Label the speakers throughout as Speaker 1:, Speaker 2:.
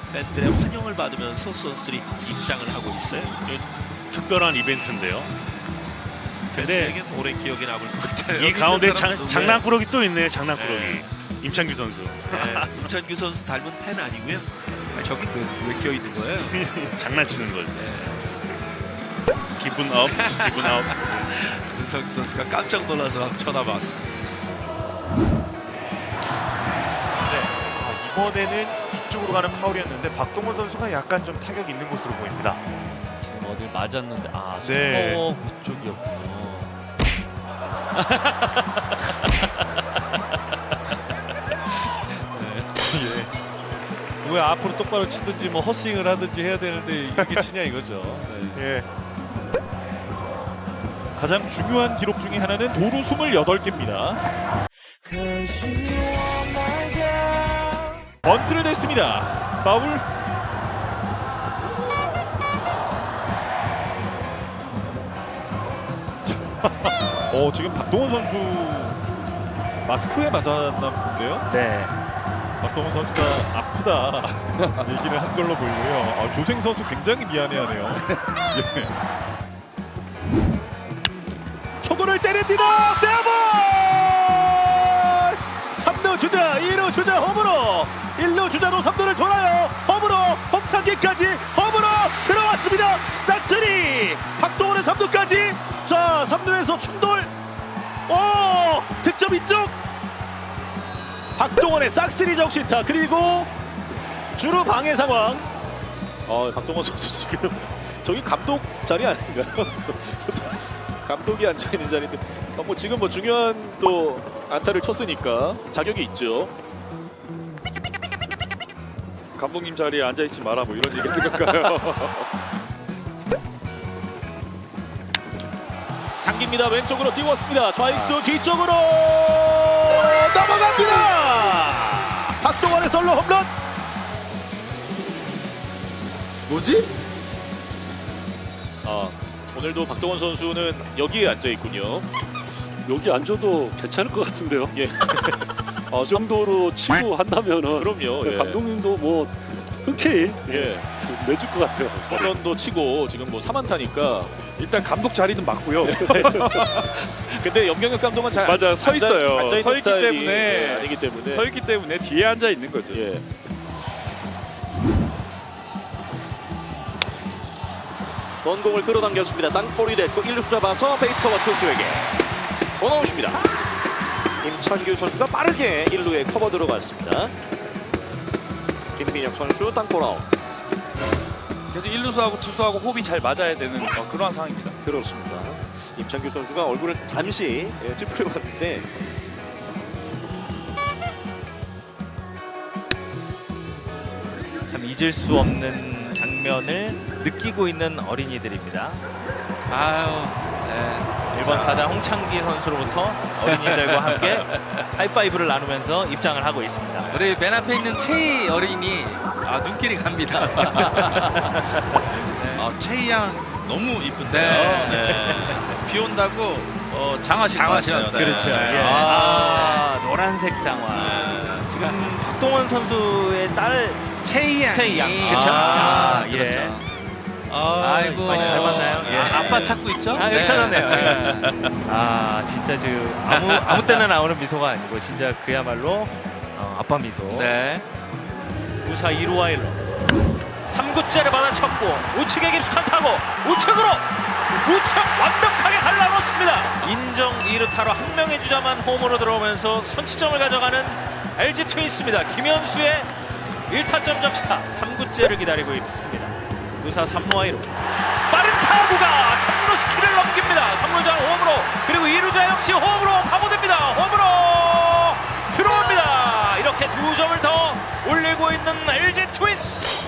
Speaker 1: 팬들의 환영을 받으면서 선수들이 입장을 하고 있어요.
Speaker 2: 특별한 이벤트인데요. 근데
Speaker 1: 팬들에겐 오래 기억에 남을 것 같아요.
Speaker 2: 이 가운데
Speaker 1: 사람들도
Speaker 2: 장난꾸러기 또 있네요. 장난꾸러기.
Speaker 1: 네.
Speaker 2: 임창규 선수.
Speaker 1: 네, 임찬규 선수 닮은 팬 아니고요. 저기 왜 껴 있는 거예요?
Speaker 2: 장난치는 거죠. 기분 업, 기분 업.
Speaker 1: 은석기 선수가 깜짝 놀라서 쳐다봤습니다.
Speaker 3: 이번에는 이쪽으로 가는 파울이었는데 박동원 선수가 약간 좀 타격이 있는 것으로 보입니다.
Speaker 4: 지금 어딜 맞았는데
Speaker 3: 네.
Speaker 4: 손목 그쪽이었군요. 왜 앞으로 똑바로 치든지 뭐 헛스윙을 하든지 해야 되는데 이게 치냐 이거죠. 네.
Speaker 3: 예.
Speaker 5: 가장 중요한 기록 중에 하나는 도루 28개입니다. 번트를 냈습니다. 파울. 지금 박동원 선수 마스크에 맞았나 본데요.
Speaker 3: 네.
Speaker 5: 박동원 선수가 아프다 얘기를 한 걸로 보이고요. 조생 선수 굉장히 미안해하네요. 예.
Speaker 4: 초구를 때립니다. 대볼! 3루 주자, 2루 주자 홈으로 1루 주자도 3루를 돌아요. 홈으로 홍창기까지 홈으로 들어왔습니다. 싹쓸이 박동원의 3루까지. 자 3루에서 충돌. 득점 이쪽. 박동원의 싹쓸이 정신타. 그리고 주루 방해 상황. 박동원 선수 지금 저기 감독 자리 아닌가요? 감독이 앉아 있는 자리인데 뭐 지금 뭐 중요한 또 안타를 쳤으니까 자격이 있죠.
Speaker 6: 감독님 자리에 앉아 있지 마라 뭐 이런 얘기 할까요?
Speaker 4: 당깁니다. 왼쪽으로 띄웠습니다. 좌익수 뒤쪽으로 넘어갑니다. 박동원의 솔로 홈런.
Speaker 3: 뭐지?
Speaker 4: 오늘도 박동원 선수는 여기에 앉아 있군요.
Speaker 6: 여기 앉아도 괜찮을 것 같은데요.
Speaker 4: 예.
Speaker 6: 이 정도로 치고 한다면은
Speaker 4: 그럼요. 예.
Speaker 6: 감독님도 뭐 흔쾌히
Speaker 4: 예.
Speaker 6: 내줄 것 같아요.
Speaker 4: 홈런도 치고 지금 뭐 3안타니까.
Speaker 6: 일단 감독 자리는 맞고요.
Speaker 4: 근데 염경엽 감독은 잘
Speaker 6: 맞아, 서 있어요.
Speaker 4: 앉아 있는
Speaker 6: 서 있기
Speaker 4: 스타일이
Speaker 6: 때문에.
Speaker 4: 아니기 때문에.
Speaker 6: 서 있기 때문에 뒤에 앉아 있는 거죠.
Speaker 4: 예. 원공을 끌어당겼습니다. 땅볼이 됐고 1루수 잡아서 베이스 커버 투수에게 원아웃입니다. 임찬규 선수가 빠르게 1루에 커버 들어갔습니다. 김민혁 선수 땅볼 아웃.
Speaker 7: 그래서 1루수하고 투수하고 호흡이 잘 맞아야 되는 그러한 상황입니다.
Speaker 4: 그렇습니다. 임찬규 선수가 얼굴을 잠시 찌푸려봤는데
Speaker 8: 참 잊을 수 없는 장면을 느끼고 있는 어린이들입니다.
Speaker 7: 아유, 네.
Speaker 8: 1번 타자 홍창기 선수로부터 어린이들과 함께 하이파이브를 나누면서 입장을 하고 있습니다.
Speaker 7: 우리 맨 앞에 있는 최희 어린이 눈길이 갑니다.
Speaker 1: 최희 양 너무 이쁜데요.
Speaker 7: 네.
Speaker 1: 네. 비 온다고 장화 신고 신었어요.
Speaker 8: 그렇죠.
Speaker 1: 네.
Speaker 8: 예. 노란색 장화. 지금 박동원 선수의 딸
Speaker 7: 최희 양.
Speaker 8: 최희 양. 그렇죠.
Speaker 7: 그렇죠.
Speaker 8: 예.
Speaker 7: 아이고.
Speaker 8: 많이 닮았나요? 예.
Speaker 7: 아빠 찾고 있죠?
Speaker 8: 네. 찾았네요.
Speaker 7: 네.
Speaker 8: 진짜 아무 때나 나오는 미소가 아니고 진짜 그야말로 아빠 미소.
Speaker 7: 네.
Speaker 8: 우사 2루와 1루 3구째를 받아쳤고 우측에 깊숙한 타고 우측으로 우측 완벽하게 갈라놓습니다. 인정 2루타로 한 명의 주자만 홈으로 들어오면서 선취점을 가져가는 LG 트윈스입니다. 김현수의 1타점 적시타 3구째를 기다리고 있습니다. 우사 3루와 1루 빠른 타구가 3루 스키를 넘깁니다. 3루자 홈으로 그리고 2루자 역시 홈으로 파고듭니다. 홈으로 들어옵니다. 이렇게 2점을 더 올리고 있는 LG 트윈스.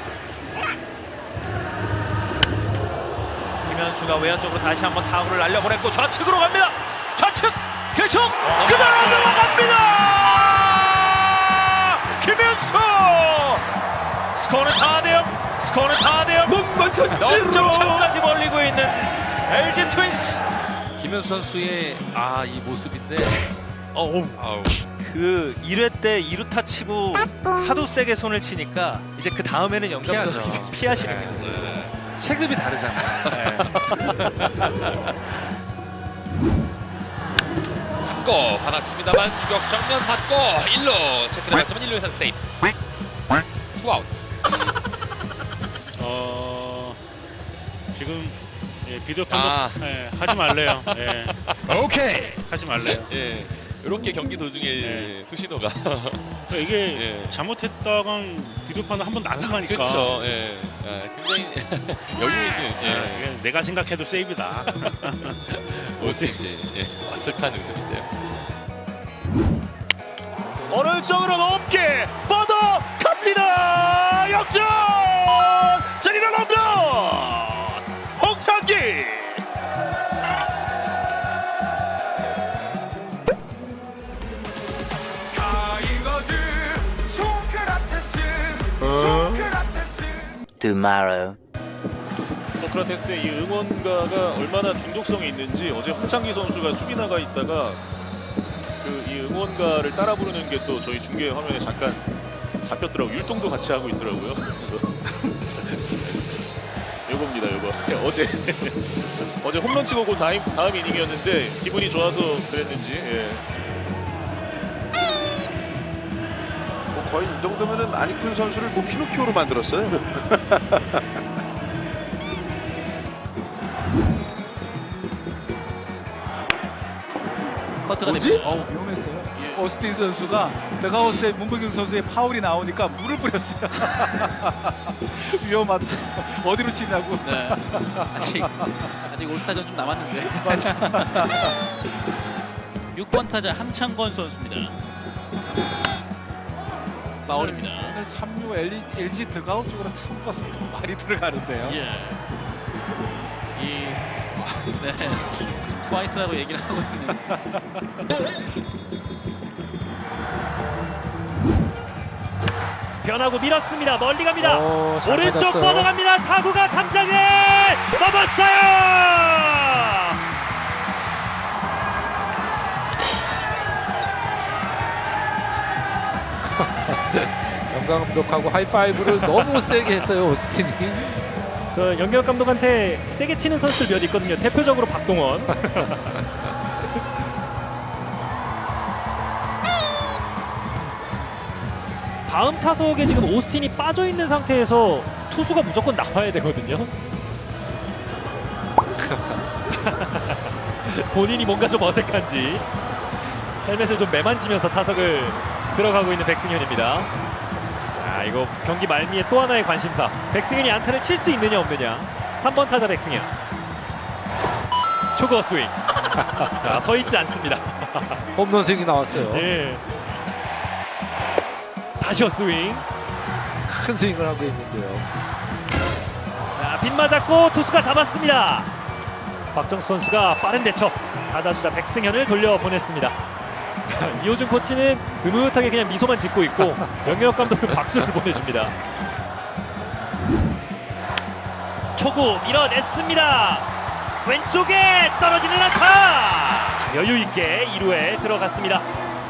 Speaker 8: 김현수가 외야 쪽으로 다시 한번 타구를 날려보냈고 좌측으로 갑니다. 좌측 계속 그대로 넘어갑니다. 김현수 스코어는 4대0. 스코어는 4대0. 역점차까지 벌리고 있는 LG 트윈스.
Speaker 7: 김현수 선수의 이 모습인데
Speaker 8: 그 1회 때 2루타 치고 하도 세게 손을 치니까 이제 그 다음에는 연기하죠. 피하시는 게 체급이 다르잖아요.
Speaker 9: 3구 받아칩니다만 유격수 정면 받고 1루 체크를 받지만 1루에서 세이프. 투아웃.
Speaker 2: 지금 비디오 판독 하지 말래요. 오케이. 하지 말래요.
Speaker 9: 예. 이렇게 경기 도중에 수신호가
Speaker 2: 이게 잘못했다간 비디오 판독 한번 날아가니까.
Speaker 9: 그렇죠. 예. 굉장히 여유 있는
Speaker 2: 이게 내가 생각해도 세이브다.
Speaker 9: 모습 이제 어색한 웃음인데요.
Speaker 4: 오른쪽으로 높게 뻗어 갑니다. 역전! 스리런 홈런! 홍창기!
Speaker 5: 소크라테스의 이 응원가가 얼마나 중독성이 있는지 어제 홍창기 선수가 수비 나가 있다가 그 이 응원가를 따라 부르는 게 또 저희 중계 화면에 잠깐 잡혔더라고요. 율동도 같이 하고 있더라고요. 그래서 요겁니다, 요거. 어제 홈런 치고 그 다음 이닝이었는데 기분이 좋아서 그랬는지.
Speaker 3: 거의 이 정도면은 안익훈 선수를 뭐 피노키오로 만들었어요.
Speaker 10: 뭐지? 위험했어요. 오스틴 선수가 더가우스에 문보경 선수의 파울이 나오니까 물을 뿌렸어요. 위험하다. 어디로 치냐고.
Speaker 8: 네. 아직 올스타전 좀 남았는데. 6번 타자 함창권 선수입니다. 파울입니다.
Speaker 10: 오늘 3루 LG 더가웃 쪽으로 타고 가서 많이 들어가는데요.
Speaker 8: 네. 트와이스라고 얘기를 하고 있는. 변하고 밀었습니다. 멀리 갑니다. 오른쪽 뻗어갑니다. 타구가 담장에 넘었어요.
Speaker 10: 영광 감독하고 하이파이브를 너무 세게 했어요, 오스틴이.
Speaker 8: 저 영경 감독한테 세게 치는 선수들 몇 있거든요. 대표적으로 박동원. 다음 타석에 지금 오스틴이 빠져 있는 상태에서 투수가 무조건 나와야 되거든요. 본인이 뭔가 좀 어색한지 헬멧을 좀 매만지면서 타석을 들어가고 있는 백승현입니다. 자, 이거 경기 말미에 또 하나의 관심사. 백승현이 안타를 칠 수 있느냐 없느냐. 3번 타자 백승현. 초구 스윙. 자, 서 있지 않습니다.
Speaker 10: 홈런 스윙이 나왔어요.
Speaker 8: 예. 다시 스윙.
Speaker 10: 큰 스윙을 하고 있는데요.
Speaker 8: 자, 빗 맞았고 투수가 잡았습니다. 박정수 선수가 빠른 대처. 타자주자 백승현을 돌려보냈습니다. 이호준 코치는 흐뭇하게 그냥 미소만 짓고 있고 영역 감독은 박수를 보내줍니다. 초구 밀어냈습니다. 왼쪽에 떨어지는 안타. 여유 있게 2루에 들어갔습니다.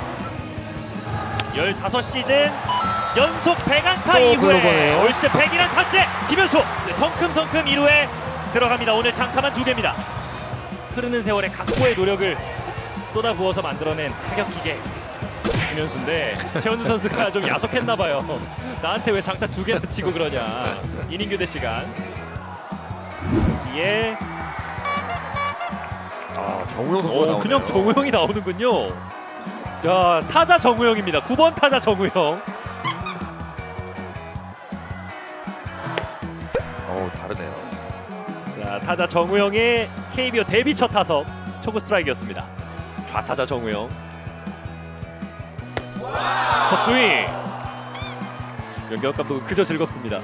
Speaker 8: 15시즌 연속 100안타 이후에 올 시즌 101안타째 김현수 성큼성큼 2루에 들어갑니다. 오늘 장타만 2개입니다. 흐르는 세월에 각고의 노력을 쏟아부어서 만들어낸 타격기계 김현수인데 최원수 선수가 좀 야속했나봐요. 나한테 왜 장타 2개나 치고 그러냐. 이닝 교대 시간. 예.
Speaker 10: 정우영 선수가 나오네요.
Speaker 8: 그냥 정우영이 나오는군요. 야, 타자 정우영입니다. 9번 타자 정우영.
Speaker 10: 다르네요.
Speaker 8: 자, 타자 정우영의 KBO 데뷔 첫 타석 초구 스트라이크였습니다. 좌타자 정우영. 헛스윙. 연경 감독은 그저 즐겁습니다.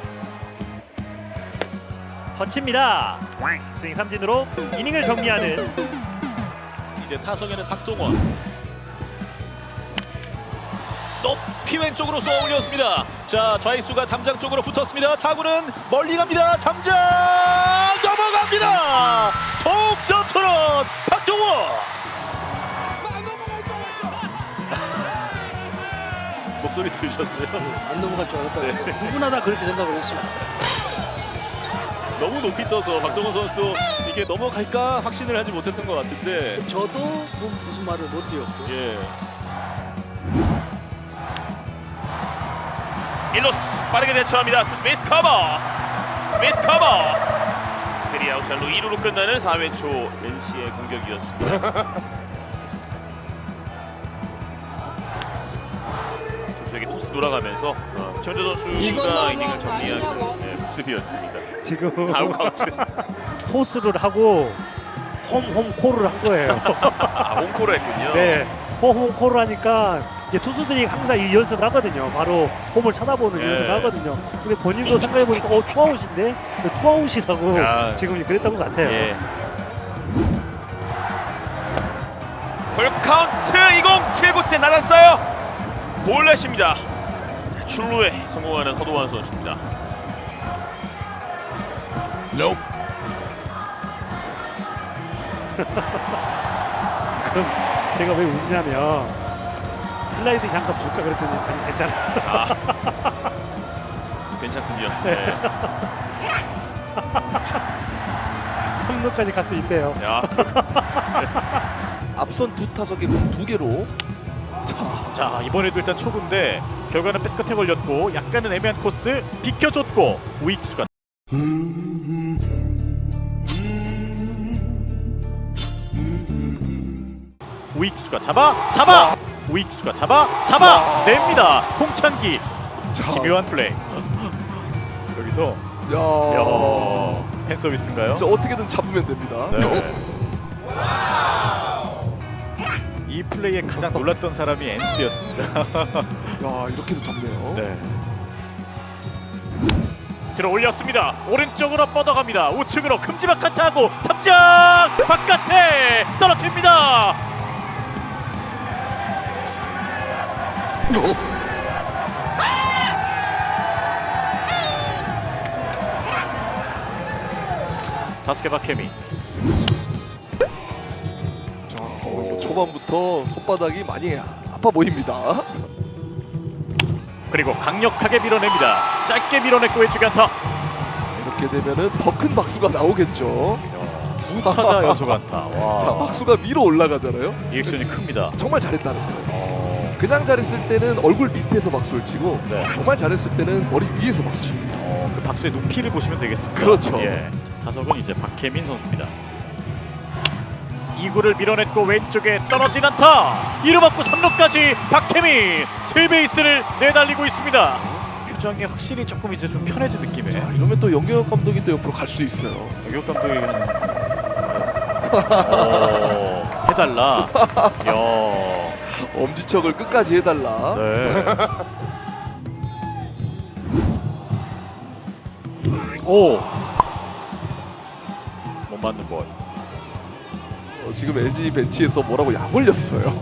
Speaker 8: 터칩니다. 스윙 삼진으로 이닝을 정리하는.
Speaker 4: 이제 타석에는 박동원. 높이 왼쪽으로 쏘아 올렸습니다. 자, 좌익수가 담장 쪽으로 붙었습니다. 타구는 멀리 갑니다. 담장 넘어갑니다. 동점 토론 박동원.
Speaker 5: 목소리 들으셨어요?
Speaker 11: 안 넘어갈 줄 알았다. 누구나 다 그렇게 생각을 했어요.
Speaker 5: 너무 높이 떠서 박동원 선수도 이게 넘어갈까 확신을 하지 못했던 것 같은데.
Speaker 11: 저도 뭐 무슨 말을 못 드렸고.
Speaker 5: 예.
Speaker 1: 1루 빠르게 대처합니다. 베이스 커버. 베이스 커버. 3아웃 잘로 2루로 끝나는 4회 초 NC의 공격이었습니다. 조수에게 토스 돌아가면서 최원조 선수가 이닝을 정리하는 모습이었습니다.
Speaker 2: 지금
Speaker 1: 아웃 카운트.
Speaker 2: 토스를 하고 홈콜을 한 거예요.
Speaker 1: 아, 홈콜을 했군요.
Speaker 2: 네, 홈콜을 하니까 이제 투수들이 항상 이 연습을 하거든요. 바로 홈을 쳐다보는
Speaker 1: 예.
Speaker 2: 연습을 하거든요. 근데 본인도 생각해보니까 투아웃인데 투아웃이라고
Speaker 1: 야.
Speaker 2: 지금 그랬던 것 같아요.
Speaker 1: 예. 볼 카운트 2공 7구째 나갔어요. 볼넷입니다. 출루에 성공하는 허도환 선수입니다.
Speaker 2: 그럼 제가 왜 웃냐면 슬라이드 잠깐 볼까 그랬더니 아니 괜찮아.
Speaker 1: 괜찮군요. 네.
Speaker 2: 3루까지 갈 수 있대요.
Speaker 1: 야,
Speaker 7: 앞선 두 타석에 공 2개로.
Speaker 2: 자 이번에도 일단 초구인데 결과는 백끝에 걸렸고 약간은 애매한 코스 비켜줬고 우익수가 우익수가 잡아 우익수가 잡아 냅니다. 홍찬기 기묘한 플레이. 여기서 야 팬 서비스인가요?
Speaker 7: 저 어떻게든 잡으면 됩니다.
Speaker 2: 네. 이 플레이에 가장 놀랐던 사람이 NC였습니다.
Speaker 7: 야, 이렇게도 잡네요.
Speaker 2: 네. 들어 올렸습니다. 오른쪽으로 뻗어갑니다. 우측으로 큼지막한 타구 탑장 바깥에 떨어집니다. 다섯 개 박혜미.
Speaker 7: 초반부터 손바닥이 많이 아파 보입니다.
Speaker 2: 그리고 강력하게 밀어냅니다. 짧게 밀어냈고 왼쪽에 안타.
Speaker 7: 이렇게 되면은 더 큰 박수가 나오겠죠.
Speaker 2: 타자 연속 안타.
Speaker 7: 자, 박수가 위로 올라가잖아요.
Speaker 2: 리액션이 큽니다.
Speaker 7: 정말 잘했다는 거예요. 그냥 잘했을 때는 얼굴 밑에서 박수를 치고
Speaker 2: 네.
Speaker 7: 정말 잘했을 때는 머리 위에서 박수 칩니다.
Speaker 2: 그 박수의 높이를 보시면 되겠습니다.
Speaker 7: 그렇죠.
Speaker 2: 예. 타석은 이제 박혜민 선수입니다. 2구를 밀어냈고 왼쪽에 떨어진 안타. 2루 받고 3루까지 박혜민 세베이스를 내달리고 있습니다. 표정이 확실히 조금 이제 좀 편해진 느낌이에요.
Speaker 7: 이러면 또 영경혁 감독이 또 옆으로 갈 수 있어요.
Speaker 2: 영경 감독이 해달라. 야.
Speaker 7: 엄지척을 끝까지 해달라.
Speaker 2: 네. 오. 못 맞는 볼.
Speaker 7: 지금 LG 벤치에서 뭐라고 약 올렸어요.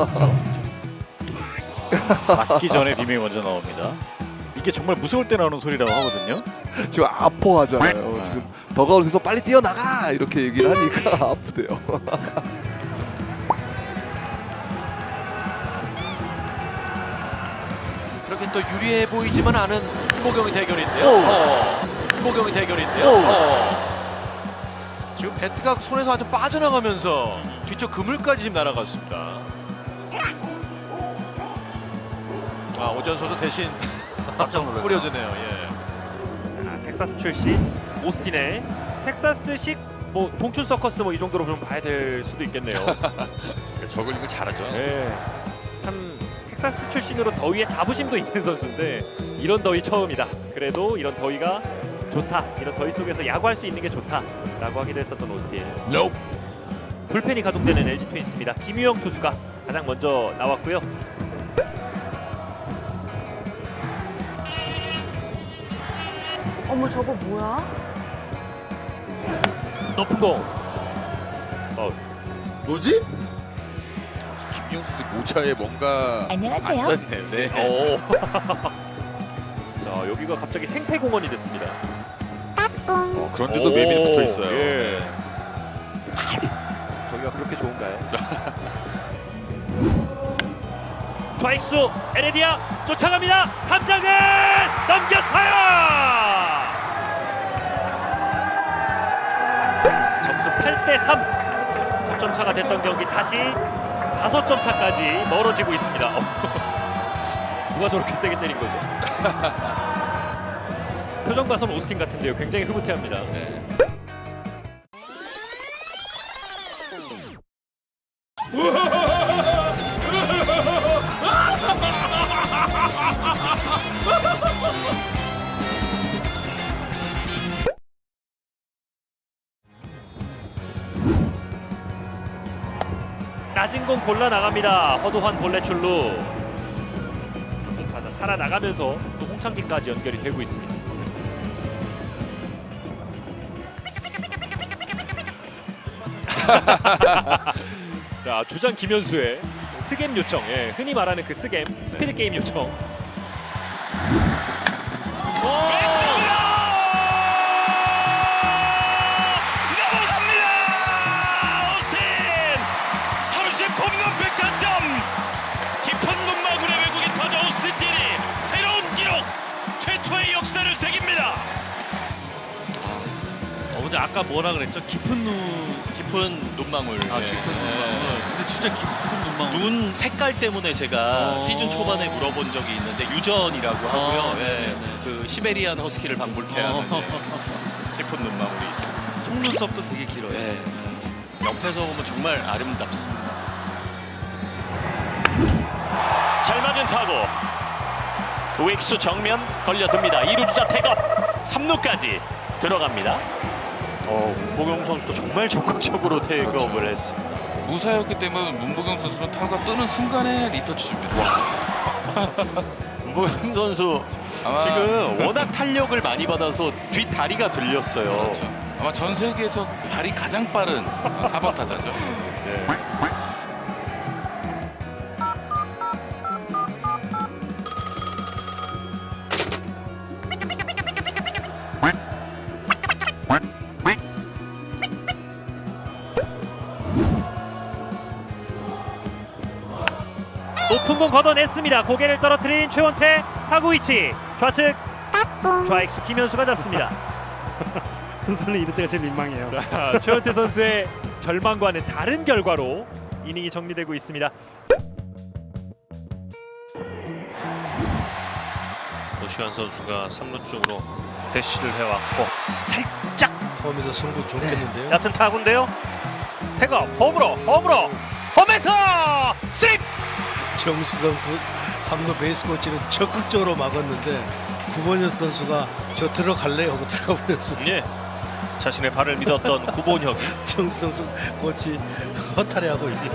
Speaker 2: 맞기 전에 비명이 먼저 나옵니다. 이게 정말 무서울 때 나오는 소리라고 하거든요.
Speaker 7: 지금 아파하잖아요. 지금 더가웃에서 빨리 뛰어나가 이렇게 얘기를 하니까 아프대요.
Speaker 8: 그렇게 또 유리해 보이지만 않은 이모경의 대결인데요. 이모경의 대결인데요. 지금 배트가 손에서 완전 빠져나가면서 뒤쪽 그물까지 지금 날아갔습니다. 아, 오전 선수 대신 깜짝 뿌려주네요. 예.
Speaker 2: 자, 텍사스 출신 오스틴의 텍사스식 뭐 동춘 서커스 뭐 이 정도로 좀 봐야 될 수도 있겠네요.
Speaker 9: 저글링을 잘하죠.
Speaker 2: 네. 참 텍사스 출신으로 더위에 자부심도 있는 선수인데 이런 더위 처음이다. 그래도 이런 더위가 좋다. 이런 더위 속에서 야구할 수 있는 게 좋다라고 하기도 했었던 오스틴. 불펜이 가동되는 LG 트윈스입니다. 김유영 투수가 가장 먼저 나왔고요.
Speaker 12: 어머 저거 뭐야?
Speaker 2: 높은 공.
Speaker 3: 뭐지?
Speaker 9: 김용 선수 모차에 뭔가
Speaker 12: 안녕하세요.
Speaker 9: 앉았네요. 네.
Speaker 2: 자, 여기가 갑자기 생태공원이 됐습니다.
Speaker 9: 그런데도 매미 붙어 있어요.
Speaker 2: 예. 저기가 그렇게 좋은가요? 좌익수 에레디아 쫓아갑니다. 함장은 넘겼어요. 점수 8대3. 석점 차가 됐던 경기 다시 5점 차까지 멀어지고 있습니다. 누가 저렇게 세게 때린 거죠? 표정 봐선 오스틴 같은데요. 굉장히 흐뭇해합니다. 낮은 공 골라 나갑니다. 허도환 볼넷 출루. 타자 살아나가면서 또 홍창기까지 연결이 되고 있습니다. 자, 주장 김현수의 스겜 요청, 예, 흔히 말하는 그 스겜 스피드 게임 요청.
Speaker 8: 근데 아까 뭐라 그랬죠? 깊은 눈망울. 깊은 눈망울. 근데 진짜 깊은 눈망울. 눈 색깔 때문에 제가 시즌 초반에 물어본 적이 있는데 유전이라고 하고요. 그 시베리안 허스키를 방불케 하는 깊은 눈망울이 있습니다. 속눈썹도 되게 길어요. 옆에서 보면 정말 아름답습니다.
Speaker 1: 잘 맞은 타구. 우익수 정면 걸려듭니다. 2루 주자 태업 3루까지 들어갑니다. 문보경 선수도 정말 적극적으로 태업을 했습니다.
Speaker 9: 무사였기 때문에 문보경 선수는 타구가 뜨는 순간에 리터치 줍니다.
Speaker 1: 문보경 선수 지금 워낙 탄력을 많이 받아서 뒷다리가 들렸어요.
Speaker 9: 그렇죠. 아마 전 세계에서 발이 가장 빠른 4번 타자죠.
Speaker 1: 네.
Speaker 2: 높은 공 걷어냈습니다. 고개를 떨어뜨린 최원태. 타구 위치 좌측. 좌익수 김현수가 잡습니다.
Speaker 11: 투수는 이럴 때가 제일 민망해요.
Speaker 2: 자, 최원태 선수의 절망과는 다른 결과로 이닝이 정리되고 있습니다.
Speaker 8: 노시환 선수가 3루 쪽으로 대시를 해왔고
Speaker 11: 살짝 홈에서 승부 좋겠는데요.
Speaker 3: 얕은 타구인데요. 태거 홈으로 홈에서 씩.
Speaker 11: 정수성 3루 베이스 코치는 적극적으로 막았는데 구본현 선수가 저 들어갈래요 하고 들어가 버렸습니다.
Speaker 8: 예. 자신의 발을 믿었던 구본혁.
Speaker 11: 정수성 코치 허탈해하고 있어요.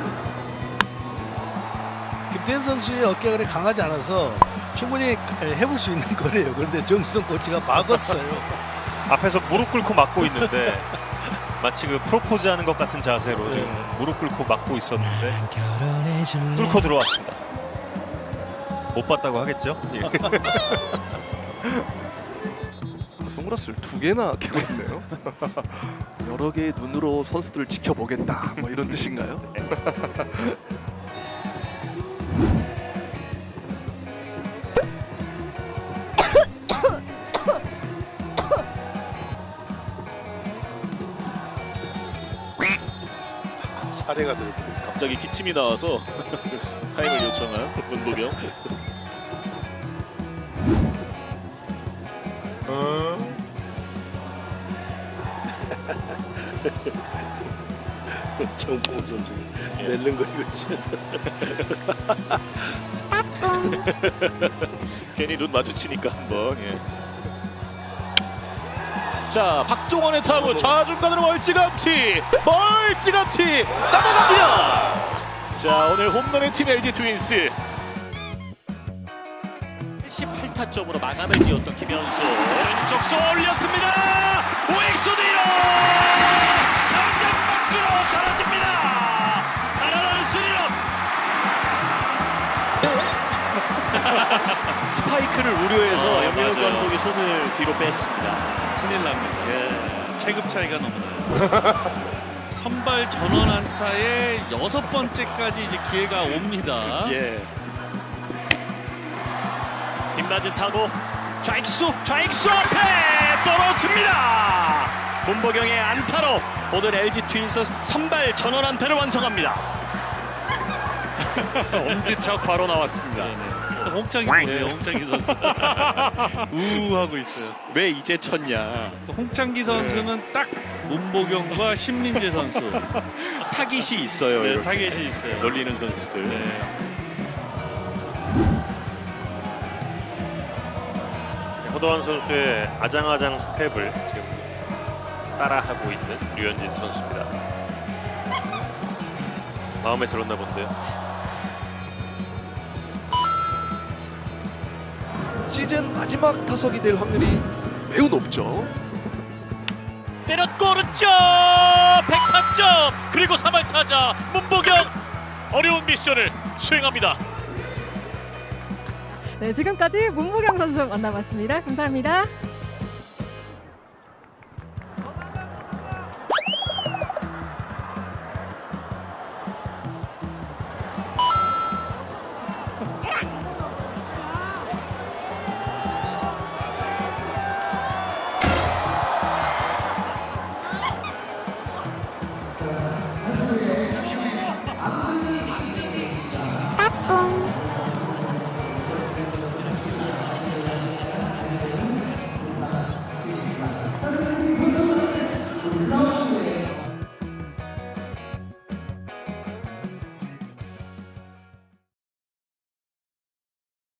Speaker 11: 김태현 선수의 어깨가 그래 강하지 않아서 충분히 해볼 수 있는 거래요. 그런데 정수성 코치가 막았어요.
Speaker 3: 앞에서 무릎 꿇고 막고 있는데 마치 그 프로포즈하는 것 같은 자세로 지금 무릎 꿇고 막고 있었는데 뚫고 들어왔습니다. 못 봤다고 하겠죠? 예.
Speaker 7: 선글라스를 2개나 끼고 있네요. 여러 개의 눈으로 선수들을 지켜보겠다, 뭐 이런 뜻인가요?
Speaker 3: 사례가 들고
Speaker 5: 갑자기 기침이 나와서 타임을 요청한 문보경.
Speaker 11: 정봉 선수 낼름거리고 있어요.
Speaker 5: 괜히 눈 마주치니까 한번. 자, 박종원의 타구 좌중간으로 멀찌감치 넘어갑니다. 자, 오늘 홈런의 팀 LG 트윈스.
Speaker 8: 18타점으로 마감을 지었던 김현수.
Speaker 1: 왼쪽 쏘 올렸습니다. 우익수 뒤로 당장 박주로 사라집니다. 달아나는 스리런.
Speaker 8: 스파이크를 우려해서 염영
Speaker 1: 맞아요.
Speaker 8: 감독이 손을 뒤로 뺐습니다. 큰일 납니다. 체급 차이가 너무 나요. 선발 전원 안타의 6번째까지 이제 기회가 옵니다.
Speaker 3: 빗맞은 타고 좌익수 앞에 떨어집니다. 문보경의 안타로 오늘 LG 트윈스 선발 전원 안타를 완성합니다. 엄지척 바로 나왔습니다.
Speaker 6: 홍창기 보세요. 홍창기 선수 우하고 있어요. 왜 이제 쳤냐. 홍창기 선수는 딱 문보경과 신민재 선수
Speaker 3: 타깃이 있어요.
Speaker 6: 네,
Speaker 3: 이렇게.
Speaker 6: 타겟이 있어요.
Speaker 3: 놀리는 선수들. 허도한 선수의 아장아장 스텝을 지금 따라하고 있는 류현진 선수입니다. 마음에 들었나 본데요.
Speaker 7: 시즌 마지막 타석이 될 확률이 매우 높죠.
Speaker 1: 때렸고 오른쪽 100타점 그리고 3할 타자 문보경 어려운 미션을 수행합니다.
Speaker 12: 네, 지금까지 문보경 선수 만나봤습니다. 감사합니다.